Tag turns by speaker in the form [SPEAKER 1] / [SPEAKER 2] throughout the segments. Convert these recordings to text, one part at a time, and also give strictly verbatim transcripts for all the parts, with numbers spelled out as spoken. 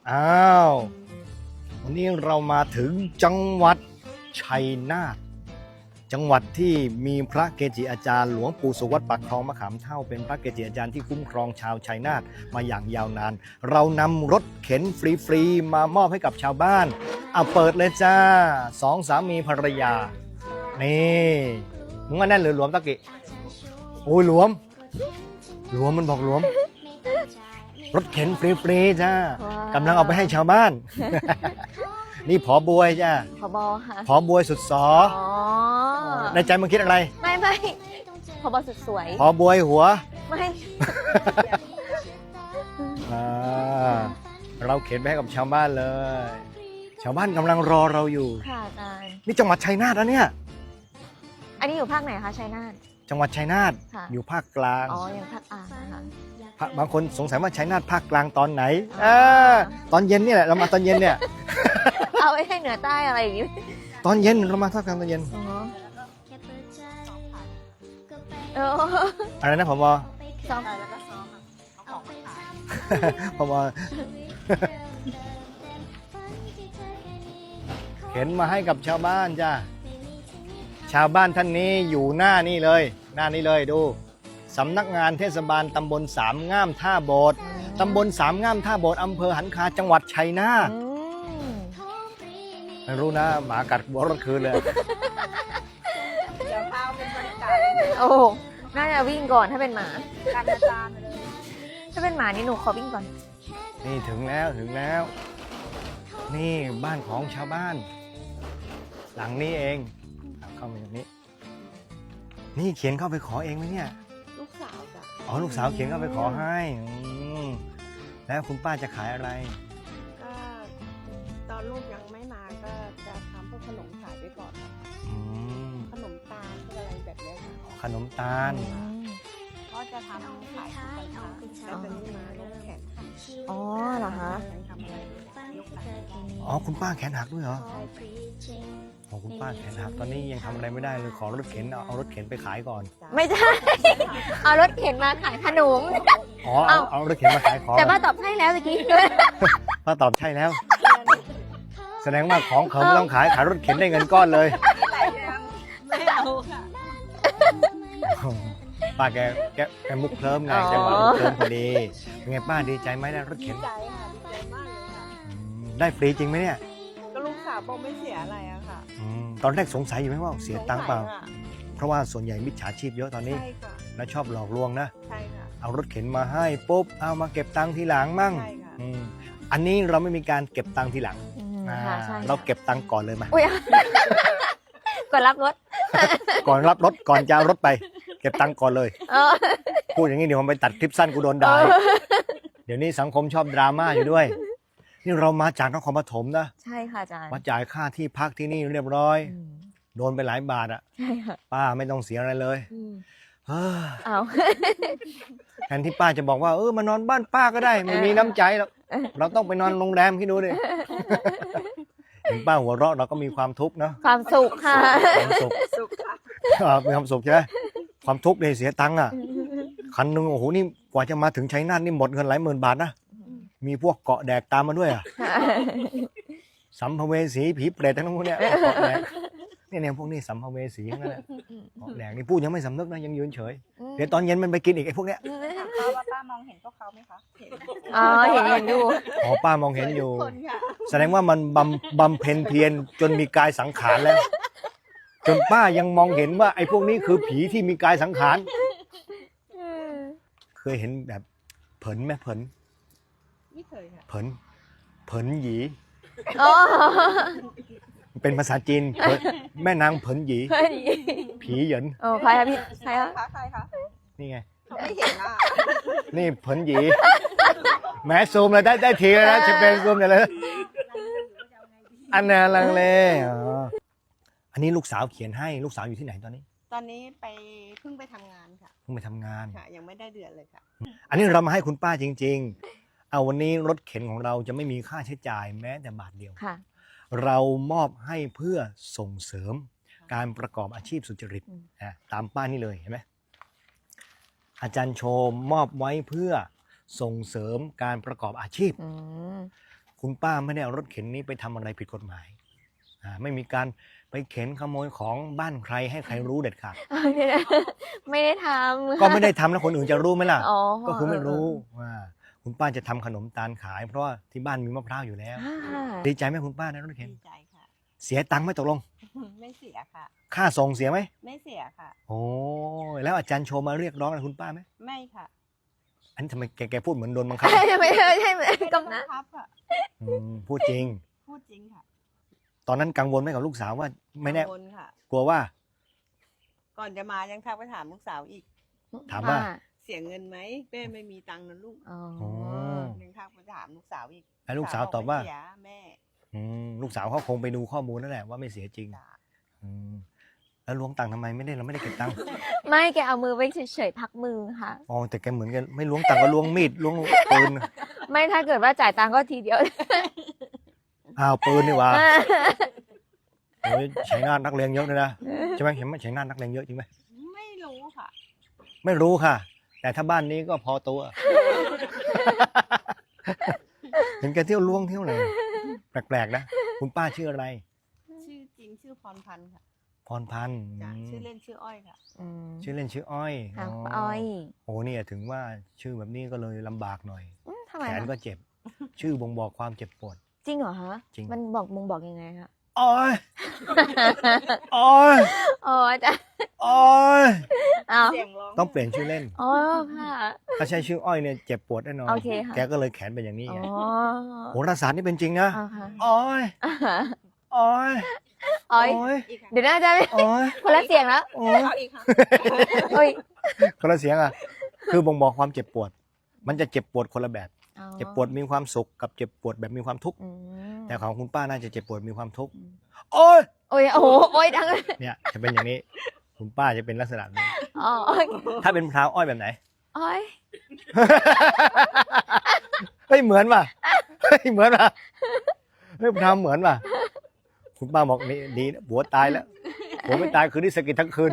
[SPEAKER 1] อ้าววันนี้เรามาถึงจังหวัดชัยนาทจังหวัดที่มีพระเกจิอาจารย์หลวงปู่สุวัตปักคลองมะขามเท่าเป็นพระเกจิอาจารย์ที่คุ้มครองชาวชัยนาทมาอย่างยาวนานเรานำรถเข็นฟรีๆมามอบให้กับชาวบ้านเอาเปิดเลยจ้าสองสามีภรรยานี่มึงว่าแน่นหรือหลวมตะกี้โอ้ยหลวมหลวมมันบอกหลวมรถเข็นฟรีๆจ้ากำลังเอาไปให้ชาวบ้าน นี่ผอบวยจ้า
[SPEAKER 2] ผบค่ะ
[SPEAKER 1] ผอบวยสุดสอ
[SPEAKER 2] อ๋อ
[SPEAKER 1] ในใจมึงคิดอะไร
[SPEAKER 2] ไม่ไม่ผบสุดสวย
[SPEAKER 1] ผอบวยหัว
[SPEAKER 2] ไม่
[SPEAKER 1] อ่าเราเข็นไปให้กับชาวบ้านเลย ชาวบ้านกำลังรอเราอยู่
[SPEAKER 2] ค่ะอาจารย์
[SPEAKER 1] นี่จังหวัดชัยนาทนะเนี่ย
[SPEAKER 2] อันนี้อยู่ภาคไหนคะชัยนาท
[SPEAKER 1] จังหวัดชัยนาท
[SPEAKER 2] ค่ะ
[SPEAKER 1] อยู่ภาคกลาง
[SPEAKER 2] อ๋อยังภาคอ่างนะคะ
[SPEAKER 1] ภาคบางคนสงสัยว่าชัยนาทภาคกลางตอนไหนอ่าตอนเย็นเนี่ยแหละเรามาตอนเย็นเนี่ย
[SPEAKER 2] เอาไว้ให้เหนือใต้อะไรอย่างงี้
[SPEAKER 1] ตอนเย็นเรามาภาคกลางตอนเย็น
[SPEAKER 2] อ๋อเออ
[SPEAKER 1] อะไรนะผบ
[SPEAKER 2] ซ้อม
[SPEAKER 1] ผบ เข็นมาให้กับชาวบ้านจ้าชาวบ้านท่านนี้อยู่หน้านี่เลย หน้านี้เลยดูสำนักงานเทศบาลตำบลสามง่ามท่าโบสถ์ตำบลสามง่ามท่าโบสถ์อำเภอหันคาจังหวัดชัยนาท
[SPEAKER 2] อืม
[SPEAKER 1] ไม่รู้นะหมากัดหัวรถคืนเลย
[SPEAKER 3] เดี๋ยวพาเป็นบรรยากาศ
[SPEAKER 2] โอ้น่าจะวิ่งก่อนถ้าเป็นหมา
[SPEAKER 3] การอาจารย์เลย
[SPEAKER 2] ถ้าเป็นหมานี่หนูขอวิ่งก่อน
[SPEAKER 1] นี่ถึงแล้วถึงแล้ว นี่บ้านของชาวบ้าน หลังนี้เองเข้ามาตรงนี้ นี่เขียนเข้าไปขอเองไหมเนี่ย
[SPEAKER 3] ลูกสาวจ้ะ
[SPEAKER 1] อ๋อลูกสาวเขียนเข้าไปขอให้อืมแล้วคุณป้าจะขายอะไร
[SPEAKER 3] ก็ตอนลูกยังไม่มาก็จะทำพวกขนมขายไปก่อนค่ะ
[SPEAKER 1] อืม
[SPEAKER 3] ขนมตาลพวกอะไรแบบเนี้ยค่ะ
[SPEAKER 1] ขนมตาล
[SPEAKER 3] ก็จะทำขายทุกวันค่ะแล้วตอนนี้มายกแขนค่ะ
[SPEAKER 2] อ๋อเหรอคะ
[SPEAKER 3] ยังทำอะไรยกแขน
[SPEAKER 1] อ๋อคุณป้าแขนหักด้วยเหรอ
[SPEAKER 3] ใช่ค่ะ
[SPEAKER 1] อ๋อคุณป้าแขนหักตอนนี้ยังทำอะไรไม่ได้เลยขอรถเข็นเอาเอารถเข็นไปขายก่อน
[SPEAKER 3] จ้ะ
[SPEAKER 2] ไม่ใช่ เอารถเข็นมาขายขนม
[SPEAKER 1] อ๋อเอาเอารถเข็นมาขายของ
[SPEAKER 2] แต่ป้าตอบใช่แล้วเมื่อกี้
[SPEAKER 1] ป้าตอบใช่แล้ว แสดงว่าของเขาไม่ต้องขายขายรถเข็นได้เงินก้อนเลย
[SPEAKER 3] ไม่เอาค่ะ
[SPEAKER 1] ป้าแกแกแกมุกเคลิ้มไง
[SPEAKER 2] อ๋อ
[SPEAKER 1] จังหวะมุกเคลิ้มพอดีเป็นไงป้าดีใจไหมได้รถ
[SPEAKER 3] ดี
[SPEAKER 1] เข็น
[SPEAKER 3] ใจค่ะดีใจมากเลยค่ะ
[SPEAKER 1] อืมได้ฟรีจริงไหมเนี่ย
[SPEAKER 3] ก็ลูกสาวบอกไม่เสียอะไรอะค่ะ
[SPEAKER 1] อืมตอนแรกสงสัยอยู่ไหมว่าเสียตังค์เปล่า
[SPEAKER 3] สงสัยค่ะ
[SPEAKER 1] เพราะว่าส่วนใหญ่มิจฉาชีพเยอะตอนนี้
[SPEAKER 3] ใช่ค่ะ
[SPEAKER 1] แล้วชอบหลอกลวงนะ
[SPEAKER 3] ใช่ค่ะ
[SPEAKER 1] เอารถเข็นมาให้ปุ๊บเอามาเก็บตังค์ทีหลังมั่ง
[SPEAKER 3] ใช่ค่ะ
[SPEAKER 1] อืมอันนี้เราไม่มีการเก็บตังค์ทีหลัง
[SPEAKER 2] อืม
[SPEAKER 1] อ่า
[SPEAKER 2] ค่ะใช่
[SPEAKER 1] เราเก็บตังค์ก่อนเลยมา
[SPEAKER 2] อุ้ย ก่อนรับรถ
[SPEAKER 1] ก่อนรับรถก่อนจะเอารถไป เก็บตังค์ก่อนเลย
[SPEAKER 2] เออ
[SPEAKER 1] พูดอย่างนี้เดี๋ยวผมไปตัดคลิปสั้นกูโดนด่าเดี๋ยวนี้สังคมชอบดราม่าอยู่ด้วย นี่เรามาจากนครปฐมนะ
[SPEAKER 2] ใช่ค่ะอาจารย์
[SPEAKER 1] มาจ่ายค่าที่พักที่นี่เรียบร้อย
[SPEAKER 2] อืม
[SPEAKER 1] โดนไปหลายบาทอะ
[SPEAKER 2] ใช่ค่ะ
[SPEAKER 1] ป้าไม่ต้องเสียอะไรเลย
[SPEAKER 2] อืม
[SPEAKER 1] เฮ้ย
[SPEAKER 2] เอา
[SPEAKER 1] แทนที่ป้าจะบอกว่าเออมานอนบ้านป้าก็ได้ไม่มีน้ำใจหรอกเราต้องไปนอนโรงแรมคิดดูดิเห็นป้าหัวเราะเราก็มีความทุกข์เนาะ
[SPEAKER 2] ความสุขค่ะ
[SPEAKER 1] ความสุข
[SPEAKER 3] สุขค่ะ
[SPEAKER 1] อ่ามีความสุขใช่ไหมความทุกข์เนี่ยเสียตังค์อ่ะคันหนึ่งโอ้โหนี่กว่าจะมาถึงชัยนาทนี่หมดเงินหลายหมื่นบาทนะมีพวกเกาะแดกตามมาด้วยอ่ะสัมภเวสีผีเปรตทั้งนั้นพวกเนี้ยเกาะแดกเนี่ยเนี่ยพวกนี้สัมภเวสีทั้งนั้นแหละเกาะแดกนี่พูดยังไม่สำนึกนะยังยืนเฉยเดี๋ยวตอนเย็นมันไปกินอีกไอ้พวกเนี้ย
[SPEAKER 3] ถามป้าว่าป้ามองเห็นพวกเขาไหมคะเห็น
[SPEAKER 2] อ๋อเห็นเห็นอยู่
[SPEAKER 1] อ๋อป้ามองเห็นอยู่
[SPEAKER 3] คนค่ะ
[SPEAKER 1] แสดงว่ามันบำบำเพ็ญเพียรจนมีกายสังขารแล้ว จนป้ายังมองเห็นว่าไอ้พวกนี้คือผีที่มีกายสังขารเคยเห็นแบบเผินไหมเผิน
[SPEAKER 3] ไม่เคยค่ะ
[SPEAKER 1] เผินเผินหยี
[SPEAKER 2] อ๋อ
[SPEAKER 1] เป็นภาษาจีนเผินแม่นางเผินหยี
[SPEAKER 2] เฮ้ย
[SPEAKER 1] ผีเหยิน
[SPEAKER 2] โอ้ใครคะพี่ใครคะ
[SPEAKER 3] คะใครคะ
[SPEAKER 1] นี่ไง
[SPEAKER 3] เขาไม่เห็นอ่ะ
[SPEAKER 1] นี่เผินหยีแหม้ซูมเลยได้ได้ทีแล้วนะจะเป็นซูมเลยเลยอันนั้นลังเลอ๋ออันนี้ลูกสาวเขียนให้ลูกสาวอยู่ที่ไหนตอนนี้
[SPEAKER 3] ตอนนี้ไปเพิ่งไปทำงานค่ะ
[SPEAKER 1] เพิ่งไปทำงาน
[SPEAKER 3] ค่ะ ยังไม่ได้เดือนเลยค่ะ
[SPEAKER 1] อันนี้เรามาให้คุณป้าจริงๆ เอาวันนี้รถเข็นของเราจะไม่มีค่าใช้จ่ายแม้แต่บาทเดียว
[SPEAKER 2] ค่ะ
[SPEAKER 1] เรามอบให้เพื่อส่งเสริมการประกอบอาชีพสุจริต
[SPEAKER 2] อืม
[SPEAKER 1] นะตามป้ายนี่เลยเห็นไหมอาจารย์โชมมอบไว้เพื่อส่งเสริมการประกอบอาชีพ
[SPEAKER 2] อืม
[SPEAKER 1] คคุณป้าไม่ได้เอารถเข็นนี้ไปทำอะไรผิดกฎหมายอ่าไม่มีการไปเข็นขโมยของบ้านใครให้ใครรู้เด็ดขาด
[SPEAKER 2] ไม่ได้ทำ
[SPEAKER 1] ก็ไม่ได้ทำแล้วคนอื่นจะรู้ไหมล่ะ
[SPEAKER 2] อ๋อ
[SPEAKER 1] ก็คือไม่รู้ว่าคุณป้าจะทำขนมตาลขาย เพราะว่าที่บ้านมีมะพร้าวอยู่แล้ว
[SPEAKER 2] อ่า
[SPEAKER 1] ดีใจไหมคุณป้าได้รถเข็น
[SPEAKER 3] ดีใจค่ะ
[SPEAKER 1] เสียตังค์ไหมตกลง
[SPEAKER 3] ไม่เสียค่ะ
[SPEAKER 1] ค่าส่งเสียไหม
[SPEAKER 3] ไม่เสียค่ะ
[SPEAKER 1] โอ้ยแล้วอาจารย์โชว์มาเรียกร้องอะไรคุณป้าไหม
[SPEAKER 3] ไม่ค่ะ
[SPEAKER 1] อันนี้ทำไมแกแกพูดเหมือนโดนบังคับ
[SPEAKER 2] ไม่ใช่ไม่ใช่ไม่
[SPEAKER 3] ไม่
[SPEAKER 2] ก็
[SPEAKER 3] ต้อง
[SPEAKER 2] นะ
[SPEAKER 3] บังคับค่ะ
[SPEAKER 1] อืมพูดจริง
[SPEAKER 3] พูดจริงค่ะ
[SPEAKER 1] ตอนนั้นกังวลไหมกับลูกสาวว่าไม่แน่
[SPEAKER 3] กังวลค่ะ
[SPEAKER 1] กลัวว่า
[SPEAKER 3] ก่อนจะมายังทักไปถามลูกสาวอีก
[SPEAKER 1] ถามว่า
[SPEAKER 2] อ่
[SPEAKER 3] เสียเงินไหมแม่ไม่มีตังค์นะลูก
[SPEAKER 2] อ๋อ
[SPEAKER 1] อ๋อ
[SPEAKER 3] ยังทักไปถามลูกสาวอีก
[SPEAKER 1] แล้วลูกสาวตอบว่า
[SPEAKER 3] ไม่เสียแม่
[SPEAKER 1] อืมลูกสาวเขาคงไปดูข้อมูลนั่นแหละว่าไม่เสียจริง
[SPEAKER 3] จ้ะ
[SPEAKER 1] อืมแล้วล้วงตังค์ทำไมไม่ได้เราไม่ได้เก็บตังค์
[SPEAKER 2] ไม่แกเอามือไว้เฉยๆพักมือค่ะ
[SPEAKER 1] อ๋อแต่แกเหมือนกันไม่ล้วงตังค์ก็ล้วงมีดล้วงปืน
[SPEAKER 2] ไม่ถ้าเกิดว่าจ่ายตังค์ก็ทีเดียว
[SPEAKER 1] อ้าวปืนนี่หว่าโอ้ยใช้งานนักเลงเยอะเลยนะใช่ไหมเห็นไหมใช้งานนักเลงเยอะจริงไหม
[SPEAKER 3] ไม่รู้ค่ะ
[SPEAKER 1] ไม่รู้ค่ะ แต่ถ้าบ้านนี้ก็พอตัว เห็นแกเที่ยวล้วงเที่ยวอะไรแปลกๆนะคุณป้าชื่ออะไร
[SPEAKER 3] ชื่อจริงชื่อพรพันธ์ค่ะ
[SPEAKER 1] พรพันธ์
[SPEAKER 3] จ้ะ
[SPEAKER 1] อืม
[SPEAKER 3] ชื่อเล่นชื่ออ้อยค่ะ
[SPEAKER 2] อืม
[SPEAKER 1] ชื่อเล่นชื่ออ้อย
[SPEAKER 2] ค่ะป้าอ้อย
[SPEAKER 1] โอ้เนี่ยถึงว่าชื่อแบบนี้ก็เลยลำบากหน่อย
[SPEAKER 2] อืมทำไม
[SPEAKER 1] แขน
[SPEAKER 2] นะ
[SPEAKER 1] ก็เจ็บ ชื่อบ่งบอกความเจ็บปวด
[SPEAKER 2] จริงเหรอฮะ
[SPEAKER 1] จริง
[SPEAKER 2] มันบอกมึงบอกยังไงคะ
[SPEAKER 1] อ้อยอ้อย
[SPEAKER 2] อ๋อจ้ะ
[SPEAKER 1] อ้อย
[SPEAKER 2] อ้าว
[SPEAKER 3] เสียงร้อง
[SPEAKER 1] ต้องเปลี่ยนชื่อเล่น
[SPEAKER 2] อ๋อค่ะ
[SPEAKER 1] ถ้าใช้ชื่ออ้อยเนี่ยเจ็บปวดแน่นอน
[SPEAKER 2] โอเคค่ะ
[SPEAKER 1] แกก็เลยแขนเป็นอย่างนี้
[SPEAKER 2] อ๋
[SPEAKER 1] ไง
[SPEAKER 2] อ
[SPEAKER 1] โหราศาสตร์นี่เป็นจริงนะ
[SPEAKER 2] อ๋อค่ะ
[SPEAKER 1] อ้อย
[SPEAKER 2] อ่าฮะ
[SPEAKER 1] อ้อย
[SPEAKER 2] อ้อย
[SPEAKER 1] อ้อย
[SPEAKER 3] อีกค่ะ
[SPEAKER 2] เดี๋ยวน่าจะ
[SPEAKER 1] อ้อย
[SPEAKER 2] คนละเสียงแล้ว
[SPEAKER 1] อ้อย
[SPEAKER 3] เอาอีกค่ะ
[SPEAKER 2] โอ้ย
[SPEAKER 1] คนละเสียงอ่ะ คือบ่งบอกความเจ็บปวด มันจะเจ็บปวดคนละแบบ
[SPEAKER 2] อ๋อ
[SPEAKER 1] เจ็บปวดมีความสุขกับเจ็บปวดแบบมีความทุกข์
[SPEAKER 2] อืม
[SPEAKER 1] แต่ของคุณป้าน่าจะเจ็บปวดมีความทุกข์
[SPEAKER 2] อืม
[SPEAKER 1] โอ้ย
[SPEAKER 2] โอ้ยโอ้โหโอ้ยดัง
[SPEAKER 1] เนี่ยจะเป็นอย่างนี้ คุณป้าจะเป็นลักษณะนี้
[SPEAKER 2] อ๋อโอ้ย
[SPEAKER 1] ถ้าเป็นพร้าวอ้อยแบบไหน
[SPEAKER 2] โอ้ย
[SPEAKER 1] เฮ้ยเหมือนป่ะเฮ้ยเหมือนป่ะเฮ้ยพร้าวเหมือนป่ะคุณป้าบอกนี่ดีนะผัวตายแล้วผัวไม่ตายคืนนี้สะกิดทั้งคืน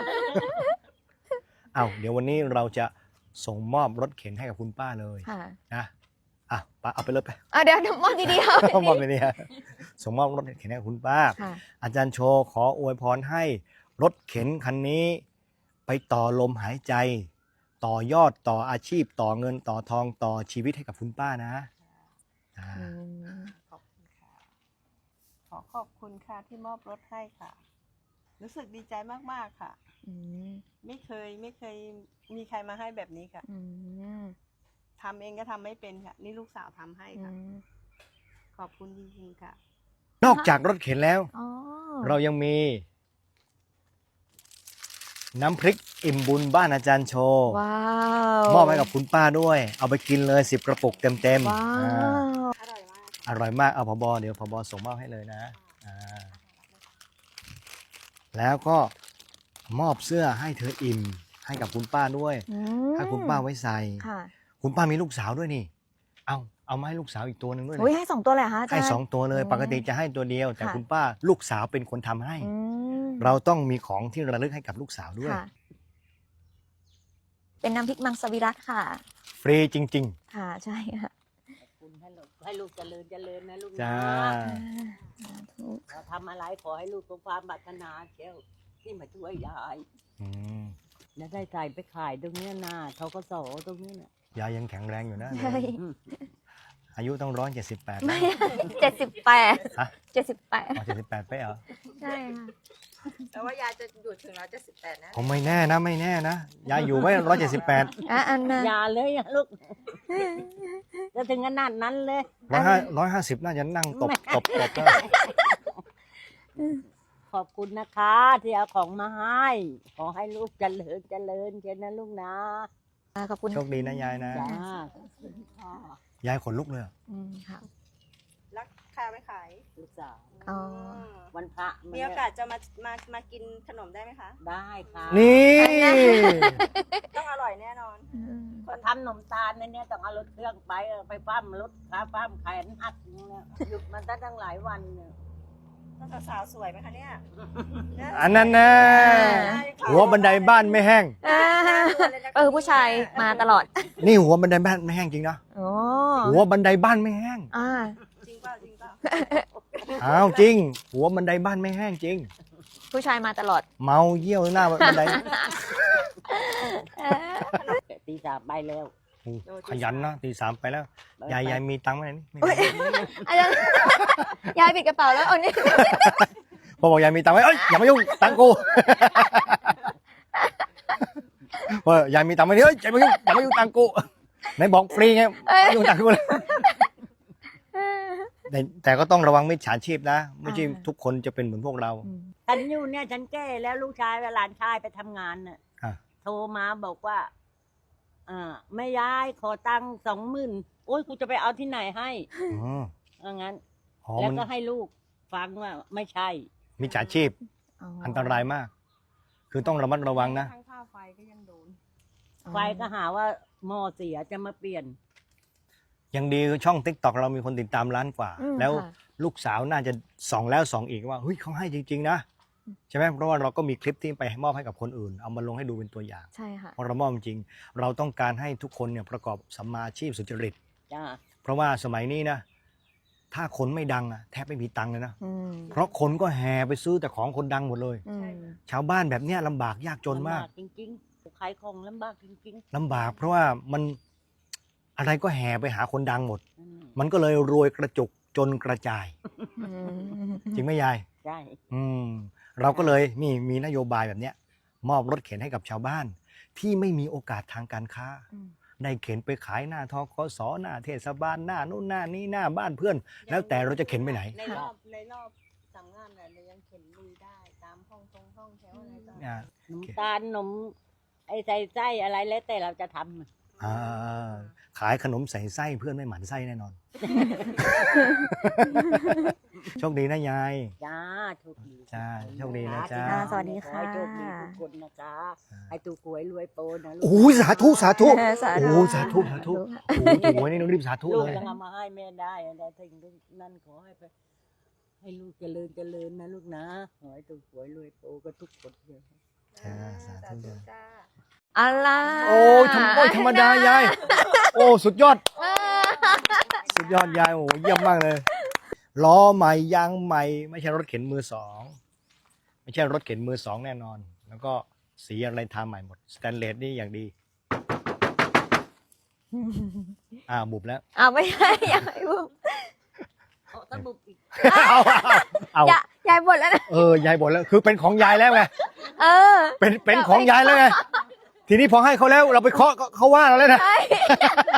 [SPEAKER 1] เอ้าเดี๋ยววันนี้เราจะส่งมอบรถเข็นให้กับคุณป้าเลย
[SPEAKER 2] ค่ะ
[SPEAKER 1] นะอ่ะป้าเอาไปเลยไป
[SPEAKER 2] อ่ะเดี๋ยวเดี๋ยวมองดีๆเอา
[SPEAKER 1] เอามอบไปเนี่ยส่งมอบรถเข็นให้กับคุณป้า
[SPEAKER 2] ค่ะ
[SPEAKER 1] อาจารย์โชว์ขออวยพรให้รถเข็นคันนี้ ไปต่อลมหายใจ ต่อยอดต่ออาชีพ ต่อเงินต่อทองต่อชีวิตให้กับคุณป้านะอ่า
[SPEAKER 2] อืม
[SPEAKER 3] ขอบคุณค่ะ ขอขอบคุณค่ะที่มอบรถให้ค่ะ รู้สึกดีใจมากๆค่ะ
[SPEAKER 2] อืม
[SPEAKER 3] ไม่เคยไม่เคยมีใครมาให้แบบนี้ค่ะ
[SPEAKER 2] อืม
[SPEAKER 3] ทำเองก็ทำไม่เป็นค่ะ นี่ลูกสาวทำให้
[SPEAKER 2] อื
[SPEAKER 3] ค่ะ
[SPEAKER 2] ม
[SPEAKER 3] ขอบคุณจริงๆค่ะ
[SPEAKER 1] นอกจากรถเข็นแล้ว
[SPEAKER 2] อ๋อ
[SPEAKER 1] เรายังมี น้ำพริกอิ่มบุญบ้านอาจารย์โชว์
[SPEAKER 2] ว้าว
[SPEAKER 1] มอบให้กับคุณป้าด้วย เอาไปกินเลยสิบกระปุกเต็มๆ
[SPEAKER 2] ว้า
[SPEAKER 1] อ่า
[SPEAKER 2] ว
[SPEAKER 3] อร่อยมาก
[SPEAKER 1] อร่อยมากเอาพบเดี๋ยวพบส่งมอบให้เลยนะอ่าแล้วก็มอบเสื้อให้เธออิ่มให้กับคุณป้าด้วย
[SPEAKER 2] อืม
[SPEAKER 1] ให้คุณป้าไว้ใส่
[SPEAKER 2] ค่ะ
[SPEAKER 1] คุณป้ามีลูกสาวด้วยนี่ เอาเอามาให้ลูกสาวอีกตัวหนึ่งด้วย
[SPEAKER 2] อุ้ย
[SPEAKER 1] นะ
[SPEAKER 2] ให้สองตัวเลยเหรอคะอาจาร
[SPEAKER 1] ให้
[SPEAKER 2] ย์
[SPEAKER 1] สองตัวเลย
[SPEAKER 2] อืม
[SPEAKER 1] ปกติจะให้ตัวเดียว แต่
[SPEAKER 2] ค่ะ
[SPEAKER 1] คุณป้าลูกสาวเป็นคนทำให้
[SPEAKER 2] อืม
[SPEAKER 1] เราต้องมีของที่ระลึกให้กับลูกสาวด้วย
[SPEAKER 2] ค่ะ เป็นน้ำพริกมังสวิรัตค่ะ
[SPEAKER 1] ฟรีจริง
[SPEAKER 2] ค่ะใช่ค่ะ
[SPEAKER 4] คุณให้ลูกให้ลูกเจริญเจริญนะลูก
[SPEAKER 1] ๆ จ้า
[SPEAKER 2] สาธุ
[SPEAKER 4] เราทำอะไรขอให้ลูกสมความปรารถนาเชียวที่มาช่วยยาย
[SPEAKER 1] อืม
[SPEAKER 4] แล้วได้ใส่ไปขายตรงเนี้ยนาเขาก็โสตรงนี้น่ะ
[SPEAKER 1] ยายยังแข็งแรงอยู่นะ
[SPEAKER 2] ใช่
[SPEAKER 4] อืม
[SPEAKER 1] อายุต้องร้อยเจ็ดสิบแปด
[SPEAKER 2] ไม่เจ็ดสิบแปด
[SPEAKER 1] ฮะ
[SPEAKER 2] เจ็ดสิบแปด
[SPEAKER 1] อ๋อเจ็ดสิบแปดไปเหรอ
[SPEAKER 2] ใช่ค่ะ
[SPEAKER 3] แต่ว่ายายจะอยู่ถึงร้อยเจ็ดสิบแปดนะ
[SPEAKER 1] ผมไม่แน่นะไม่แน่นะยายอยู่ไว้ร้อยเจ็ดสิบแปด
[SPEAKER 2] อ่ะอันน่ะ
[SPEAKER 4] อย่าเลยอะลูกจะถึงขนาดนั้นเลย
[SPEAKER 1] ร้อยห้าร้อยห้าสิบน่าจะนั่งตบตบตบแล้ว
[SPEAKER 4] ขอบคุณนะคะที่เอาของมาให้ ขอให้ลูกเจริญเจริญเช่นนะลูกนะ
[SPEAKER 2] อ่ะขอบคุณ
[SPEAKER 1] โชคดีนะยายนะ
[SPEAKER 4] จ้า
[SPEAKER 1] ยายขนลุกเลยอะ
[SPEAKER 2] อืมค่ะ
[SPEAKER 3] รักค่าไม่ขาย
[SPEAKER 4] ลูกสาว
[SPEAKER 2] อ๋อ
[SPEAKER 4] วันพระ
[SPEAKER 3] มีโอกาสจะมามามากินขนมได้ไหมคะ
[SPEAKER 4] ได้ค่ะ
[SPEAKER 1] นี่
[SPEAKER 3] ต้องอร่อยแน่นอน
[SPEAKER 2] อืม
[SPEAKER 4] ก็ทำขนมตาลในเนี้ยต้องเอารถเครื่องไปเออไปปั้มรถขาปั้มแขนหักอย่างเงี้ยหยุดมันตั้งตั้งหลายวันเนี่ย
[SPEAKER 3] ต้องสาวๆสวยไหมคะเนี่ย
[SPEAKER 1] อันนั้นนะหัวบันไดบ้านไม่แห้ง
[SPEAKER 2] อ่าเออผู้ชายมาตลอด
[SPEAKER 1] นี่หัวบันไดบ้านไม่แห้งจริงนะ
[SPEAKER 2] โอ้
[SPEAKER 1] หัวบันไดบ้านไม่แห้ง
[SPEAKER 2] อ่า
[SPEAKER 3] จริงเปล่าจริงเปล่า
[SPEAKER 1] อ้าวจริง หัวบันไดบ้านไม่แห้งจริง
[SPEAKER 2] ผู้ชายมาตลอด
[SPEAKER 1] เมาเยี่ยวหน้าบันได
[SPEAKER 4] ตีสามไปแล้ว
[SPEAKER 1] โอ้ขยันนะตีสามไปแล้ว ยายยายมีตังค์ไหมนี่ไม่
[SPEAKER 2] อุ๊
[SPEAKER 1] มี
[SPEAKER 2] ย อาจารย์ยายปิดกระเป๋าแล้วเอานี่
[SPEAKER 1] พอบอกยายมีตังค์ไหมเอ้ยอย่ามายุ่งตังค์กู เออยายมีตังค์ไหมเฮ้ยอย่ามายุ่งอย่ามายุ่งตังค์กูไหนบอกฟรีไงไม่ยุ่งตังค์กูเลยแต่แต่ก็ต้องระวังมิจฉาชีพนะไม่ใช่ทุกคนจะเป็นเหมือนพวกเรา
[SPEAKER 4] ฉันอยู่เนี่ยฉันแก่แล้วลูกชายกับหลานชายไปทำงานน่ะ
[SPEAKER 1] อ่ะ
[SPEAKER 4] โทรมาบอกว่าอ่าแม่ยายขอตังค์สองหมื่นโอ้ยกูจะไปเอาที่ไหนให้
[SPEAKER 1] อ๋อ
[SPEAKER 4] ว่างั้น
[SPEAKER 1] อ๋อ
[SPEAKER 4] แล้ว
[SPEAKER 1] มัน
[SPEAKER 4] ก็ให้ลูกฟังว่าไม่ใช่
[SPEAKER 1] มิจฉาชีพอันตรายมาก คือต้องระมัดระวังนะ
[SPEAKER 3] ทั้งค่าไฟก็ยังโดน
[SPEAKER 4] ไฟก็หาว่าหม้อเสียจะมาเปลี่ยน
[SPEAKER 1] ยังดีคือช่อง ติ๊กต็อก เรามีคนติดตามล้านกว่า
[SPEAKER 2] อืม
[SPEAKER 1] แล้ว
[SPEAKER 2] ค่ะ
[SPEAKER 1] ลูกสาวน่าจะส่องแล้วส่องอีกว่าเฮ้ยเขาให้จริงๆนะใช่ไหมเพราะว่าเราก็มีคลิปที่ไปมอบให้กับคนอื่น เอามาลงให้ดูเป็นตัวอย่าง
[SPEAKER 2] ใช่ค่ะ
[SPEAKER 1] เพราะเรามอบจริง เราต้องการให้ทุกคนเนี่ยประกอบสัมมาอาชีพสุจริต
[SPEAKER 4] จ้า
[SPEAKER 1] เพราะว่าสมัยนี้นะถ้าคนไม่ดังอะแทบไม่มีตังค์เลยนะ
[SPEAKER 2] อืม
[SPEAKER 1] เพราะคนก็แห่ไปซื้อแต่ของคนดังหมดเลย
[SPEAKER 2] อืม
[SPEAKER 1] ชาวบ้านแบบเนี้ยลำบากยากจนมาก
[SPEAKER 4] ลำบจริงๆขายของลำบากจริง
[SPEAKER 1] ลำบากเพราะว่ามันอะไรก็แห่ไปหาคนดังหมด
[SPEAKER 4] ๆอืม
[SPEAKER 1] มันก็เลยรวยกระจุกจนกระจาย
[SPEAKER 2] อืม
[SPEAKER 1] จริงไหมยาย
[SPEAKER 4] ใช่
[SPEAKER 1] อืมเราก็เลยนี่มีนโยบายแบบเนี้ยมอบรถเข็นให้กับชาวบ้าน ที่ไม่มีโอกาสทางการค้า
[SPEAKER 2] อืม
[SPEAKER 1] ได้เข็นไปขายหน้าทกสหน้าเทศบาลหน้านู่นหน้านี้หน้าบ้านเพื่อน แล้วแต่เราจะเข็นไปไหน
[SPEAKER 3] ในรอบในรอบสั่งงานน่ะเรายังเข็นลุยได้ตามห้องตรงห้องแถวอะไรต่าง
[SPEAKER 1] อ่า
[SPEAKER 4] ขนมตาลขนมไอ้ใส่ไส้อะไรแล้วแต่เราจะทำ
[SPEAKER 1] อ่าขายขนมใส่ไส้เพื่อนไม่หมั่นไส้แน่นอน โชคดีนะยาย
[SPEAKER 4] จ้าโชคดี
[SPEAKER 1] จ้าโชคดีนะจ้า
[SPEAKER 2] อ่าสวัสดี
[SPEAKER 4] ขอ
[SPEAKER 2] ค่ะ
[SPEAKER 4] ให้โชคดีทุกคนนะจ๊ะให้ถูกหวยรวยโปนะลูก
[SPEAKER 1] โอ้ยสาธุสาธุ
[SPEAKER 2] เออสาธุ
[SPEAKER 1] โอ้ยสาธุสาธุโอ้ยถูกไว้นี่ต้องรีบสาธุ
[SPEAKER 4] ลูก
[SPEAKER 1] เลย
[SPEAKER 4] ยังเอามาให้แม่ได้อะไรถึงนั่นขอให้ไปให้ลูกเจริญเจริญนะลูกนะขอให้ถูกหวยรวยโปกันทุกคนเลย
[SPEAKER 1] จ้าสาธุจ้า
[SPEAKER 3] จ้า
[SPEAKER 2] อะไร
[SPEAKER 1] โอ้ยทำโอ้ยธรรมดายาย โอ้สุดยอด สุดยอดยายโอ้เยี่ยมมากเลยล้อใหม่ยางใหม่ ไม่ใช่รถเข็นมือสองไม่ใช่รถเข็นมือสองแน่นอน แล้วก็สีอะไรทาใหม่หมดสแตนเลสนี่อย่างดี อ่าบุบแล้ว
[SPEAKER 2] อ้าวไม่ใช่ยายบุบ
[SPEAKER 4] เอาตะบุกอีก
[SPEAKER 1] เอาเอา
[SPEAKER 2] ยายยายบ่นแล้วนะ
[SPEAKER 1] เออยายบ่นแล้วคือเป็นของยายแล้วไง
[SPEAKER 2] เออ
[SPEAKER 1] เป็นเป็นของยายแล้วไงทีนี้พอให้เขาแล้วเราไปเคาะเขาว่าเราแล้วนะ
[SPEAKER 2] ใช่